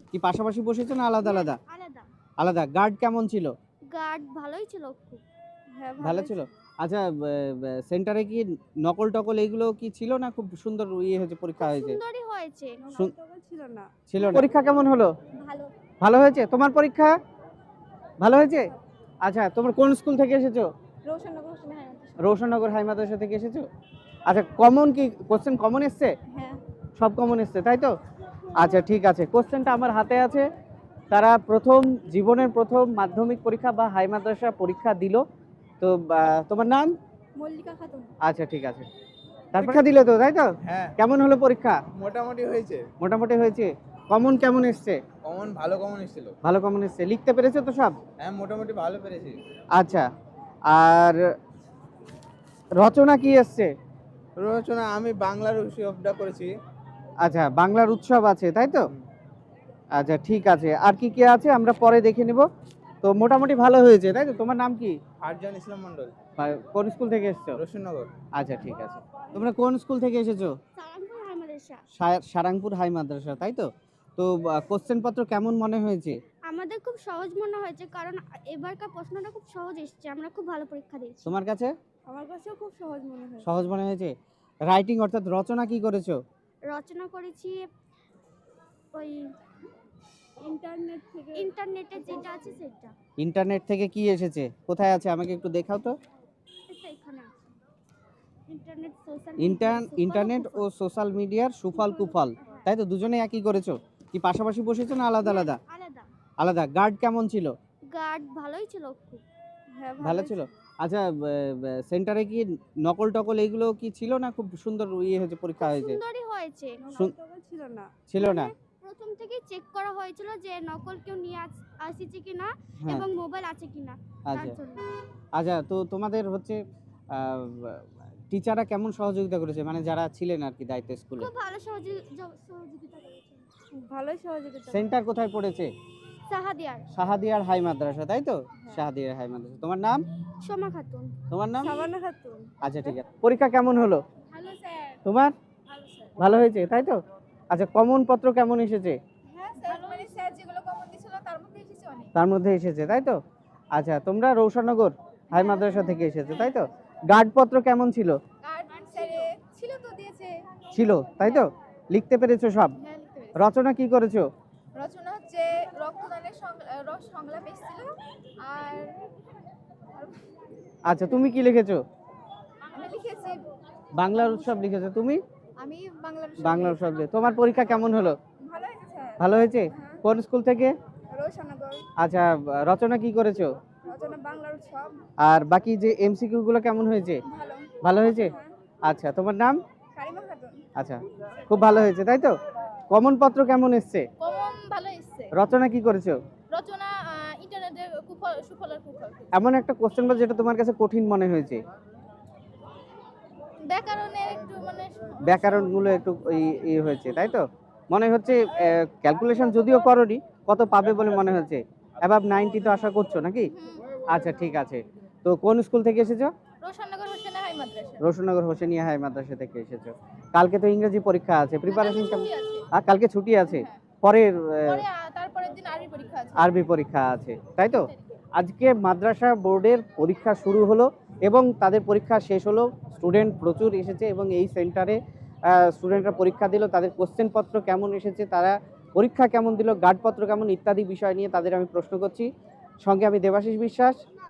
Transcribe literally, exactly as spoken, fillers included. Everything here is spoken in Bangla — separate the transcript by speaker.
Speaker 1: কি পাশাপাশি বসেছো না আলাদা আলাদা?
Speaker 2: আলাদা।
Speaker 1: আলাদা। গার্ড কেমন ছিল?
Speaker 2: গার্ড ভালোই ছিল খুব।
Speaker 3: হ্যাঁ,
Speaker 1: ভালো
Speaker 3: ভালোই
Speaker 1: ছিল।
Speaker 3: ছিল।
Speaker 1: আচ্ছা, সেন্টারে কি নকল টকল এগুলো কি ছিল না খুব সুন্দর ইয়ে হয়েছে, পরীক্ষা
Speaker 2: খুব
Speaker 1: হয়েছে?
Speaker 2: সুন্দরই হয়েছে।
Speaker 1: শুন-
Speaker 3: নকল ছিল না।
Speaker 1: ছিল না। পরীক্ষা কেমন হলো?
Speaker 2: ভালো।
Speaker 1: ভালো হয়েছে? তোমার পরীক্ষা ভালো হয়েছে? আচ্ছা, তোমরা কোন স্কুল থেকে এসেছো?
Speaker 3: রোশননগর হোসেন হাই মাদ্রাসা।
Speaker 1: রোশননগর হাই মাদ্রাসা থেকে এসেছো? আচ্ছা, কমন কি কোশ্চেন কমন এসছে?
Speaker 3: হ্যাঁ।
Speaker 1: সব কমন এসছে তাই তো? আচ্ছা ঠিক আছে, কোশ্চেনটা আমার হাতে আছে। তারা প্রথম জীবনের প্রথম মাধ্যমিক পরীক্ষা বা হাই মাদ্রাসা পরীক্ষা দিল। তো আহ, তোমার নাম?
Speaker 3: মল্লিকা খাতুন।
Speaker 1: আচ্ছা ঠিক আছে। তার পরীক্ষা দিলে তো তাই তো?
Speaker 4: হ্যাঁ,
Speaker 1: কেমন হলো পরীক্ষা?
Speaker 4: মোটামুটি হয়েছে।
Speaker 1: মোটামুটি হয়েছে। কমন কেমন এসছে?
Speaker 4: কমন ভালো কমন এসেছিল।
Speaker 1: ভালো কমন এসছে। লিখতে পেরেছো তো সব?
Speaker 4: হ্যাঁ, মোটামুটি ভালো পেরেছি।
Speaker 1: আচ্ছা, আর রচনা কি এসছে?
Speaker 4: রচনা আমি বাংলার উৎসবটা করেছি।
Speaker 1: আচ্ছা, বাংলার উৎসব আছে তাই তো? আচ্ছা ঠিক আছে, আর কি কি আছে আমরা পরে দেখে নিব। তো মোটামুটি ভালো হয়েছে তাই তো? তোমার নাম কি?
Speaker 4: আরজান ইসলাম মন্ডল,
Speaker 1: বা- কোন স্কুল থেকে এসেছো?
Speaker 4: রসুননগর।
Speaker 1: আচ্ছা ঠিক আছে। তোমরা কোন স্কুল থেকে এসেছো?
Speaker 2: সালামপুর হাই মাদ্রাসা।
Speaker 1: সা- সারাংপুর হাই মাদ্রাসা তাই তো? তো কোশ্চেন পত্র কেমন মনে হয়েছে?
Speaker 2: আমাদের খুব সহজ মনে হয়েছে কারণ এবারকার প্রশ্নটা খুব সহজ এসেছে। আমরা খুব ভালো পরীক্ষা দিয়েছি।
Speaker 1: তোমার কাছে
Speaker 3: আমার কাছেও খুব সহজ মনে হয়।
Speaker 1: সহজ মনে হয়েছে? রাইটিং অর্থাৎ রচনা কি করেছো?
Speaker 2: রচনা করেছি ওই
Speaker 3: ইন্টারনেট থেকে
Speaker 2: ইন্টারনেটে যেটা আছে সেটা।
Speaker 1: ইন্টারনেট থেকে কি এসেছে? কোথায় আছে আমাকে একটু দেখাও তো।
Speaker 2: এটা এখানে আছে। ইন্টারনেট সোশ্যাল
Speaker 1: ইন্টার ইন্টারনেট ও সোশ্যাল মিডিয়ার সুফল কুফল তাই তো? দুজনে একই করেছো? কি পাশাপাশি বসেছো না আলাদা আলাদা?
Speaker 2: আলাদা।
Speaker 1: আলাদা। গার্ড কেমন ছিল?
Speaker 2: গার্ড ভালোই ছিল খুব।
Speaker 3: হ্যাঁ,
Speaker 1: ভালো ছিল। আচ্ছা, সেন্টারে কি নকল টকল এগুলো কি ছিল না খুব সুন্দর ইয়ে হয়েছে, পরীক্ষা হয়েছে?
Speaker 2: সুন্দরই হয়েছে।
Speaker 1: শুন-
Speaker 3: নকল ছিল না।
Speaker 1: ছিল না?
Speaker 2: প্রথম থেকেই চেক করা হয়েছিল যে নকল কেউ নিয়ে আস- আসছে কিনা
Speaker 1: হ্যাঁ।
Speaker 2: এবং মোবাইল আছে কিনা তার
Speaker 1: আচ্ছা
Speaker 2: জন্য।
Speaker 1: আচ্ছা, তো তোমাদের হচ্ছে টিচাররা কেমন সহযোগিতা করেছে, মানে যারা ছিলেন আর কি দায়িত্ব স্কুলে?
Speaker 2: খুব ভালো সহযোগি- জ- সহযোগিতা করেছে।
Speaker 3: ভালোই সহযোগিতা।
Speaker 1: সেন্টার কোথায় পড়েছে?
Speaker 2: সাহাদিয়ার।
Speaker 1: শাহাদিয়ার হাই মাদ্রাসা তাই তো?
Speaker 3: হ্যাঁ।
Speaker 1: শাহাদিয়ার হাই মাদ্রাসা। তোমার নাম?
Speaker 2: সোমা খাতুন।
Speaker 1: তোমার নাম?
Speaker 3: সাবানা খাতুন।
Speaker 1: আচ্ছা ঠিক আছে। পরীক্ষা কেমন হলো
Speaker 2: হ্যালো স্যার।
Speaker 1: তোমার?
Speaker 2: ভালো স্যার।
Speaker 1: ভালো হয়েছে তাই তো? আচ্ছা, কমন পত্র কেমন এসেছে?
Speaker 3: হ্যাঁ স্যার, মানে স্যার যেগুলো কমন দিছিল তার মধ্যে এসেছে অনেক।
Speaker 1: তার মধ্যে এসেছে তাই তো? আচ্ছা, তোমরা রৌশনগর হাই মাদ্রাসা থেকে এসেছো তাই তো? গার্ড পত্র কেমন ছিল?
Speaker 3: কার্ড স্যার ছিল তো দিয়েছে।
Speaker 1: ছিল তাই তো? লিখতে পেরেছো সব?
Speaker 3: হ্যাঁ, লিখতে পেরেছি।
Speaker 1: রচনা কি করেছো?
Speaker 3: রচনা হচ্ছে রক্তদানের সং- রস সংলাপ এসেছিল। আর
Speaker 1: আচ্ছা, তুমি কি লিখেছো?
Speaker 3: আমি লিখেছি
Speaker 1: বাংলার উৎসব লিখেছো তুমি?
Speaker 3: আমি বাংলার
Speaker 1: বাংলার উৎসব দিয়ে। তোমার পরীক্ষা কেমন হলো?
Speaker 3: ভালো হয়েছে স্যার।
Speaker 1: ভালো হয়েছে? কোন স্কুল থেকে?
Speaker 3: রোশননগর।
Speaker 1: আচ্ছা, রচনা কি করেছো?
Speaker 3: রচনা বাংলার উৎসব।
Speaker 1: আর বাকি যে এমসিকিউ গুলো কেমন হয়েছে?
Speaker 3: ভালো।
Speaker 1: ভালো হয়েছে? আচ্ছা, তোমার নাম?
Speaker 3: কারিমা খাতুন।
Speaker 1: আচ্ছা, খুব ভালো হয়েছে তাই তো? কমন পত্র কেমন এসছে?
Speaker 3: কমন ভালো এসেছে।
Speaker 1: রচনা কি করেছো?
Speaker 3: রচনা ইন্টারনেটে কুফল সুফলের কুফল।
Speaker 1: এমন একটা কোশ্চেন বা যেটা তোমার কাছে কঠিন মনে হয়েছে?
Speaker 3: ব্যাকরণের একটু মানে
Speaker 1: ব্যাকরণগুলো একটু ই হয়েছে তাই তো? মনে হচ্ছে ক্যালকুলেশন যদিও করনি, কত পাবে বলে মনে হচ্ছে? অ্যাবাভ নাইনটি তো আশা করছো নাকি? আচ্ছা ঠিক আছে। তো কোন স্কুল থেকে এসেছো?
Speaker 3: রোশননগর হোসেন হাই মাদ্রাসা।
Speaker 1: রোশননগর হোসেনিয়া হাই মাদ্রাসা থেকে এসেছো। কালকে তো ইংরেজি পরীক্ষা আছে, প্রিপারেশন কেমন?
Speaker 3: ছুটি আছে।
Speaker 1: আর কালকে ছুটি আছে, পরের আহ,
Speaker 3: পরে আ- তারপরের দিন আরবি পরীক্ষা আছে।
Speaker 1: আরবি পরীক্ষা আছে তাই তো? আজকে মাদ্রাসা বোর্ডের পরীক্ষা শুরু হলো এবং তাদের পরীক্ষা শেষ হলো। স্টুডেন্ট প্রচুর এসেছে এবং এই সেন্টারে স্টুডেন্টরা পরীক্ষা দিল। তাদের কোশ্চেন পত্র কেমন এসেছে, তারা পরীক্ষা কেমন দিল, গার্ড পত্র কেমন ইত্যাদি বিষয় নিয়ে তাদের আমি প্রশ্ন করছি। সঙ্গে আমি দেবাশিস বিশ্বাস।